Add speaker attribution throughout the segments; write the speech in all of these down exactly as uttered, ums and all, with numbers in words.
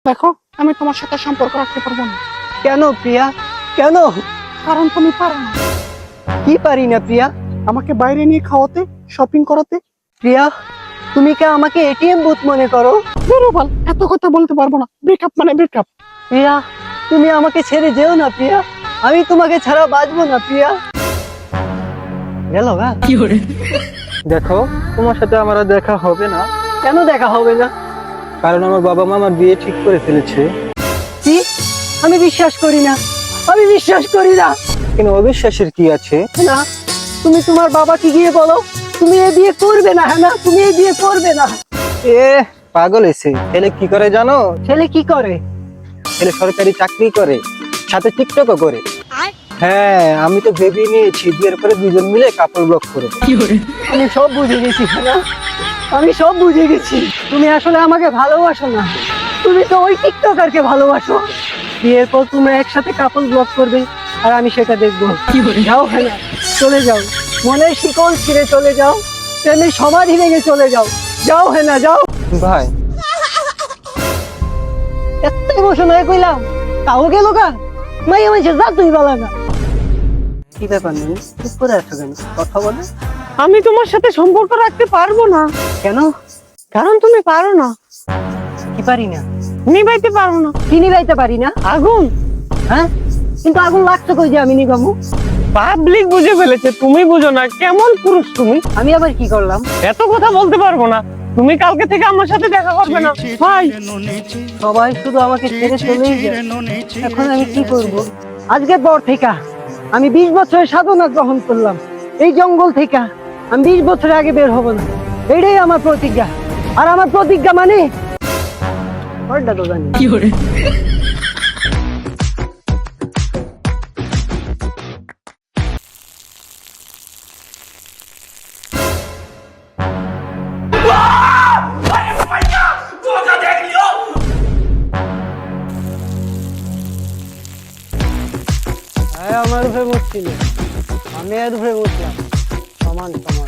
Speaker 1: দেখো, আমি তোমার সাথে সম্পর্ক রাখতে পারবো না।
Speaker 2: কেন প্রিয়া, কেন?
Speaker 1: কারণ তুমি পারো না।
Speaker 2: কি পারি না প্রিয়া?
Speaker 1: আমাকে বাইরে নিয়ে খাওয়াতে, শপিং করাতে।
Speaker 2: প্রিয়া, তুমি কি আমাকে এটিএম বুথ মনে করো?
Speaker 1: বেরোবাল, এত কথা বলতে পারবো না। ব্রেকআপ মানে ব্রেকআপ।
Speaker 2: প্রিয়া, তুমি আমাকে ছেড়ে যেও না প্রিয়া, আমি তোমাকে ছাড়া বাঁচবো না প্রিয়া। গেল গা
Speaker 3: কি করে?
Speaker 4: দেখো, তোমার সাথে আমার আর দেখা হবে না।
Speaker 2: কেন দেখা হবে না?
Speaker 4: কারণ আমার বাবা মা আমার বিয়ে ঠিক করে ফেলেছে।
Speaker 2: কি? আমি বিশ্বাস করি না, আমি বিশ্বাস করি না।
Speaker 4: কিন্তু অবিশ্বাসের কি আছে?
Speaker 2: না, তুমি তোমার বাবাকে গিয়ে বলো তুমি এই বিয়ে করবে না। হ্যাঁ না, তুমি এই বিয়ে করবে না।
Speaker 4: এ পাগল এসে ছেলে কি করে জানো?
Speaker 2: ছেলে কি করে?
Speaker 4: ছেলে সরকারি চাকরি করে, সাথে টিকটকও করে। হ্যাঁ, আমি তো ভেবে নিয়েছি বিয়ের পরে দুজন মিলে কাপড় ব্লক করে।
Speaker 3: কি করে?
Speaker 2: আমি সব বুঝে গেছি না, আমি সব বুঝে গেছি। তুমি আসলে আমাকে ভালোবাসো না, তুমি তো ওই টিকটকারকে ভালোবাসো। বিয়ের পর তোমরা একসাথে কাপড় ব্লক করবে আর আমি সেটা দেখবো।
Speaker 3: কি করে?
Speaker 2: যাও হ্যাঁ না, চলে যাও, মনের শিকল ছিঁড়ে চলে যাও, প্রেমের সমাধি ভেঙে চলে যাও। যাও হ্যাঁ না, যাও।
Speaker 4: ভাই,
Speaker 2: এত ইমোশন হয়ে কইলাম তাও গেল গা। মাই আমার যা তুই বলা না। কি ব্যাপার নেই, চুপ করে আছো কেন? কথা বলে।
Speaker 1: আমি তোমার সাথে সম্পর্ক রাখতে পারবো না।
Speaker 2: কেন?
Speaker 1: কারণ তুমি পারো না।
Speaker 2: কি পারি না?
Speaker 1: নিভাইতে পারো না।
Speaker 2: কি নিভাইতে পারি না?
Speaker 1: আগুন।
Speaker 2: হ্যাঁ, কিন্তু আগুন লাগছে কই যে আমি নিভাবো?
Speaker 1: পাবলিক বুঝে ফেলেছে, তুমি বুঝো না। কেমন পুরুষ তুমি?
Speaker 2: আমি আবার কি করলাম?
Speaker 1: এত কথা বলতে পারবো না। তুমি কালকে থেকে আমার সাথে দেখা করবে না ভাই।
Speaker 2: সবাই শুধু আমাকে ছেড়ে চলেই যায়, এখন আমি কি করব? আজকের পর থেকে আমি বিশ বছরের সাধনা গ্রহণ করলাম। এই জঙ্গল থেকে আমি বিশ বছরের আগে বের হব না, এটাই আমার প্রতিজ্ঞা। আর আমার প্রতিজ্ঞা মানে ওটা তো জানি।
Speaker 3: কি করে?
Speaker 2: হ্যাঁ, আমার উপরে বসছিল, আমি এর উপরে বসলাম। সমান সমান।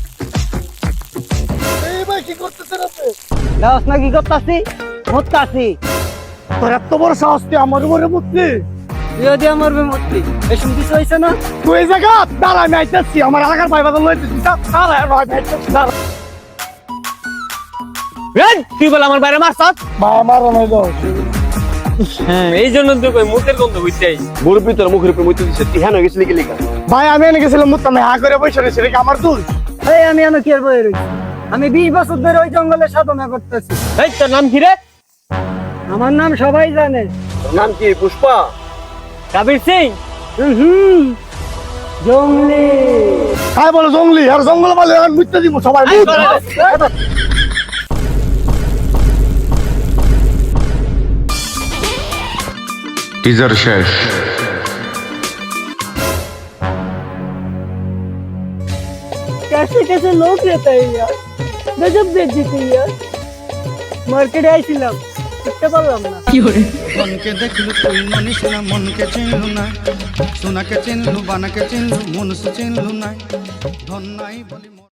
Speaker 2: দাস না কি করতাছি? মরতাছি।
Speaker 1: তোর এত বড় সাহস, তুই আমার উপরে বুঝলি?
Speaker 2: তুইও দিয়ে আমার উপরে মরতি, এসব কিছু হয়েছে না?
Speaker 1: তুই এই জায়গা দাঁড়া, আমি আইতেছি। আমার এলাকার ভাই বাদল লইতেছি। দাঁড়া, আমি আইতেছি, দাঁড়া।
Speaker 5: তুই বল আমার বাইরে মারছ?
Speaker 1: ভাই আমারও নাই দাও।
Speaker 5: এই জন্য তো কই মুখের গন্ধ হইতেই
Speaker 6: মুরব্বী তোর মুখের উপরে মুইতে দিছে, তুই হ্যাঁ গেছিলি কি লিখা?
Speaker 1: ভাই আমি এনে গেছিলাম মুত্তাম, হা করে বসে রয়েছে, এটা কি আমার দোষ?
Speaker 2: এই আমি এনে কি আর বয়ে রয়েছি? আমি বিশ বছর ধরে ওই জঙ্গলে সাধনা করতেছি।
Speaker 5: এই তোর নাম কি রে?
Speaker 2: আমার নাম সবাই জানে,
Speaker 6: তোর নাম কি? পুষ্পা?
Speaker 5: কাবির সিং।
Speaker 2: হুম, জঙ্গলি।
Speaker 1: কাই বলো জঙ্গলি? আর জঙ্গল বলে এখন মুত্তে দিব সবাই।
Speaker 7: টিজার শেষ।
Speaker 2: कैसे कैसे लोग रहते हैं यार, गजब बेइज्जती यार। মার্কেটে আইছিলাম, বুঝতে পারলাম না।
Speaker 3: কি করে?
Speaker 8: মনকে দেখলু তুই মনিস না, মনকে চিনলু না, সোনাকে চিনলু বানাকে চিনলু, মনুষ চিনলু না, ধন নাই বলি